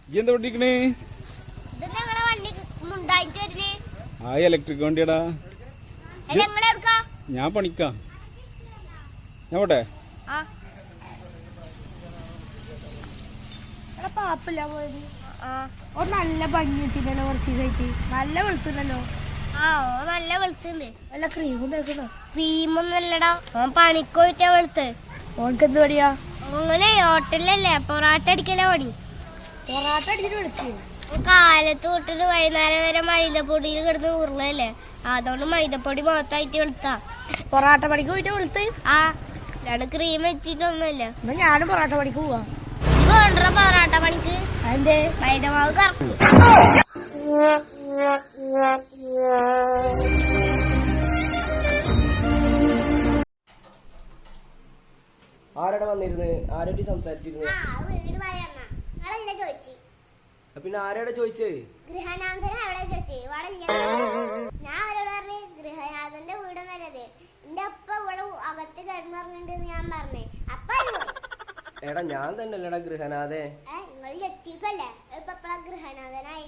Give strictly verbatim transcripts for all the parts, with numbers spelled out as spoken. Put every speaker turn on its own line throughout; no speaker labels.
എന്താ പഠിക്കണേ? ആ ഇലക്ട്രിക് വണ്ടിയടാ. ഞാൻ പണിക്കാ. ഞാൻ പോട്ടെ.
പാപ്പില്ല പോയത്. നല്ല ഭംഗി വെച്ചിട്ടല്ലോ കുറച്ച് ദിവസമായിട്ട്. നല്ല വെളുത്തുണ്ടല്ലോ.
ആ ഓ നല്ല വെളുത്തുണ്ട്.
നല്ല ക്രീമും തേക്കണോ?
ക്രീമൊന്നും അല്ലടാ, ഓൻ പണിക്കോയിട്ടാ വെളുത്ത്.
ഓനക്ക് എന്ത് പണിയാ?
ഓങ്ങനെ ഹോട്ടലല്ലേ പൊറാട്ട അടിക്കല പണി.
പൊറാട്ട അടിച്ചിട്ട് വിളിച്ചു.
കാലത്ത് തൊട്ടിട്ട് വൈകുന്നേരം വരെ മൈദപ്പൊടിയിൽ കിടന്ന് ഉരുളല്ലേ, അതുകൊണ്ട് മൈദപ്പൊടി മൊത്തമായിട്ട് വെളുത്താ.
പൊറാട്ട പണിക്ക് പോയിട്ട് വെളുത്ത്.
ആ ഞാൻ ക്രീം വെച്ചിട്ടൊന്നുമില്ല.
എന്നാ ഞാനും പൊറാട്ട പണിക്ക് പോവാ.
ഇത് കൊണ്ടുവരാ പൊറാട്ട പണിക്ക്.
അതിന്റെ
മൈദമാവ് കറക്കും.
ആരാടെ വന്നിരുന്ന്? ആരോട്ടി സംസാരിച്ചിരുന്നു? പിന്നെ ആരോടെ ചോദിച്ചേ?
ഗൃഹനാഥൻ അവിടെ ചോദിച്ചേ. ഞാൻ അവരോട് പറഞ്ഞു ഗൃഹനാഥന്റെ വീട് നല്ലത്, എന്റെ അപ്പ ഇവിടെ അകത്ത് കിടന്നിറങ്ങുന്നുണ്ട് ഞാൻ പറഞ്ഞേ. അപ്പൊ
എടാ ഞാൻ തന്നെ അല്ലടാ ഗൃഹനാഥേ.
നിങ്ങൾ ലത്തീഫല്ലേ, ഇപ്പൊ ഗൃഹനാഥനായി.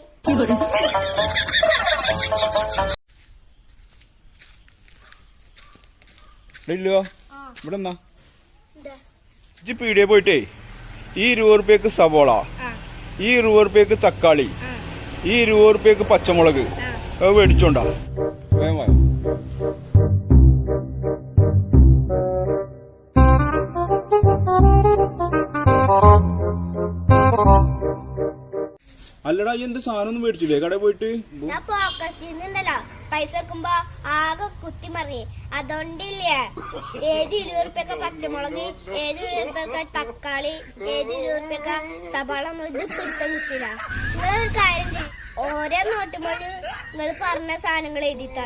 ഇവിടെ എന്നാ ഇജ്ജ് പീടിയെ പോയിട്ടേ ഈ ഇരുപത് റുപ്യക്ക് സവോള, ഈ ഇരുപത് റുപ്യക്ക് തക്കാളി, ഈ ഇരുപത് റുപ്യക്ക് പച്ചമുളക് അത് മേടിച്ചോണ്ടാ. അല്ലടാ എന്ത് സാധനം ഒന്നും മേടിച്ചില്ലേ കടയിൽ പോയിട്ട്?
ഞാൻ പോക്കറ്റിന്നുണ്ടല്ലോ പൈസ വെക്കുമ്പോ ആകെ കുത്തി മറിയേ. അതുകൊണ്ടില്ലേ ഏത് ഇരുപത് റുപ്യക്ക പച്ചമുളക്, ഏത് ഇരുപത് റുപ്യക്ക തക്കാളി, ഏത് ഇരുപത് റുപ്യക്ക സവാള ഒന്നും ഇത് പിടുത്തം കിട്ടില്ല. നിങ്ങളൊരു കാര്യം ചെയ്യും, ഓരോ നോട്ടുമ്പോൾ നിങ്ങൾ പറഞ്ഞ സാധനങ്ങൾ എഴുതിത്താ.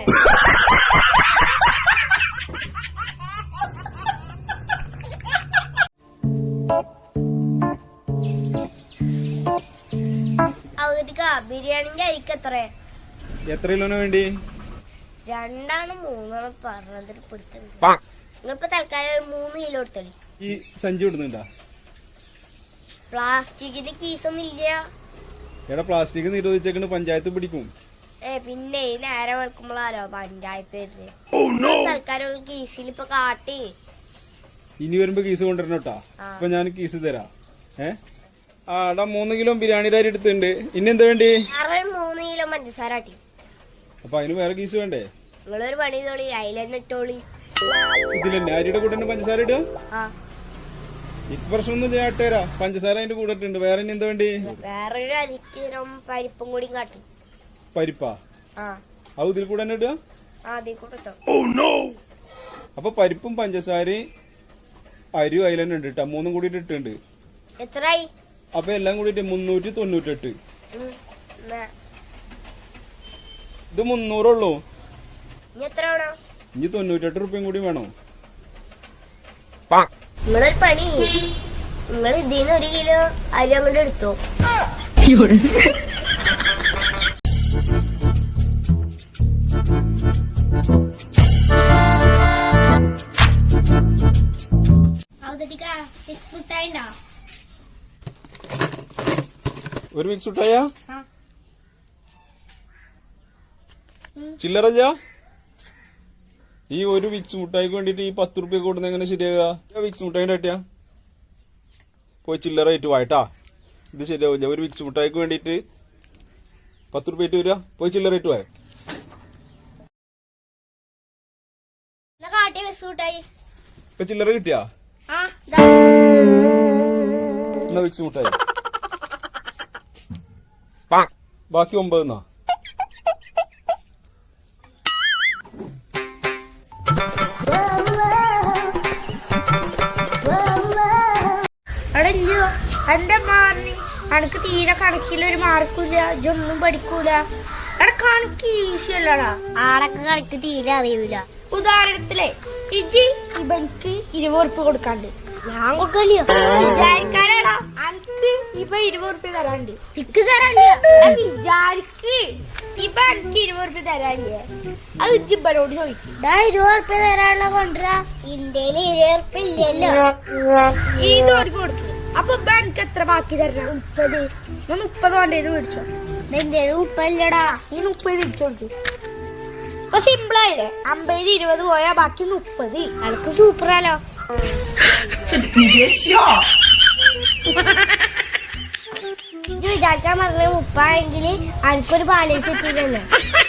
ബിരിയാണിന്റെ അരിക്ക് എത്ര
എത്ര കിലോന് വേണ്ടി?
രണ്ടാണ് മൂന്നാണ് പറഞ്ഞത്. നിങ്ങളിപ്പോ തൽക്കാലം മൂന്ന് കിലോ എടുത്തളി.
ഈ സഞ്ചി ഇടുന്നുണ്ടാ?
പ്ലാസ്റ്റിക്കിന്റെ കീസൊന്നും ഇല്ല.
എടാ പ്ലാസ്റ്റിക് നിരോധിച്ചേക്കണ്, പഞ്ചായത്ത് പിടിക്കും.
ഏ പിന്നെ നേരം വെക്കുമ്പോഴാലോ പഞ്ചായത്ത് തൽക്കാലം കീസിൽ ഇപ്പൊ കാട്ടി.
ഇനി വരുമ്പോ കീസ് കൊണ്ടുവരണം കേട്ടാ. ഇപ്പൊ ഞാൻ കീസ് തരാം. ഏ ആടാ മൂന്ന് കിലോ ബിരിയാണിയുടെ അരി എടുത്തിട്ടുണ്ട്. ഇനി എന്താ വേണ്ടി?
മൂന്ന് കിലോ പഞ്ചസാര ആട്ടി.
അപ്പൊ അതിന് വേറെ കീസ് വേണ്ടേ?
നിങ്ങളൊരു പണി തോളി അതിലെന്നെ ഇട്ടോളി.
ഇതിലെന്നെ അരിയുടെ കൂടെ തന്നെ പഞ്ചസാര ഇടുക? ഇപ്പൊ പ്രശ്നമൊന്നും ചെയ്യാട്ടേരാ, പഞ്ചസാര അതിന്റെ കൂടെ ഇട്ടുണ്ട്. വേറെ ഇനി എന്താ വേണ്ടി?
വേറൊരു അരിക്കിലോ പരിപ്പും കൂടി കാട്ടി.
പരിപ്പാ? അത് ഇതിൽ കൂടെ തന്നെ ഇടുക? അപ്പൊ പരിപ്പും പഞ്ചസാരയും അരിയും അതിൽ തന്നെ ഉണ്ട് കേട്ടാ. മൂന്നും കൂടിയിട്ട് ഇട്ടുണ്ട്.
എത്രയായി?
അപ്പൊ എല്ലാം കൂടിയിട്ട് മുന്നൂറ്റി തൊണ്ണൂറ്റെട്ട്. ഇത് മുന്നൂറുള്ളൂ. ഇനി തൊണ്ണൂറ്റെട്ട് റുപ്യം കൂടി വേണോ?
നിങ്ങളൊരു പണി, നിങ്ങൾ ഇതിന് ഒരു കിലോ അരി അങ്ങോട്ട് എടുത്തോ.
ഒരു മിക്സ് ഇട്ടായ ചില്ലറല്ല. ഈ ഒരു വിക്സ് മുട്ടായിക്ക് വേണ്ടിട്ട് ഈ പത്ത് റുപ്യ കൊടുക്കുന്ന എങ്ങനെ ശരിയാകുക? വിക്സ് മുട്ടായിന്റെ ആട്ടിയാ പോയി ചില്ലറ ആയിട്ട് വായിട്ടാ. ഇത് ശരിയാവില്ല. ഒരു വിക്സ് മുട്ടായിക്ക് വേണ്ടിട്ട് പത്ത് റുപ്യ ആയിട്ട് വരിക. പോയി ചില്ലറ ആയിട്ട് വായ. ഇപ്പൊ ചില്ലറ കിട്ടിയാ? എന്നാ വിക്സ് മുട്ടായി ബാക്കി ഒമ്പതെന്നാ.
എന്റെ മാറി അനക്ക് തീരെ കണക്കിലൊരു മാർക്കില്ല, ഇതൊന്നും പഠിക്കൂല. എടാ കണക്ക് ഈസി അല്ലടാ.
ആടൊക്കെ കണക്ക് തീരെ അറിയൂല.
ഉദാഹരണത്തിലെ ഇജി ഇവൻക്ക് ഇരുപത് ഉറുപ്പ്യ കൊടുക്കാണ്ട്
ഞാൻ കൊടുക്കല്ലോ
വിചാരിക്കാനാടാ. അനക്ക് ഇവ ഇരുപത് ഉറുപ്പ്യ തരാണ്ട്
തിക്ക് തരാല്ല.
വിചാരിക്ക് ഇവ എനിക്ക് ഇരുപത് ഉറുപ്പ്യ തരാല്ലേ. അത് ഇജിബനോട് ചോദിക്കും.
ഇരുപത് ഉറുപ്പ്യ തരാനുള്ള കൊണ്ടുവരാ. ഇന്ത്യയില് ഇരുപത് ഉറുപ്പ്യ ഇല്ലല്ലോ.
ഇതോട് കൊടുക്കും. അപ്പൊ ഇപ്പൊ എനിക്ക് എത്ര ബാക്കി തരണം? മുപ്പത്. ഞാൻ മുപ്പത് വേണ്ടേന്ന് മേടിച്ചോ.
എന്റെ ഉപ്പല്ലടാ.
ഈ മുപ്പത് തിരിച്ചു കൊടുത്തു. അപ്പൊ സിമ്പിൾ ആയില്ലേ? അമ്പത് ഇരുപത് പോയാ ബാക്കി മുപ്പത്.
അനക്ക് സൂപ്പറാലോ. ഇത് വിചാരിക്കാൻ പറഞ്ഞ മുപ്പായെങ്കിൽ അനക്കൊരു ബാലൻസ് കിട്ടിയില്ലേ?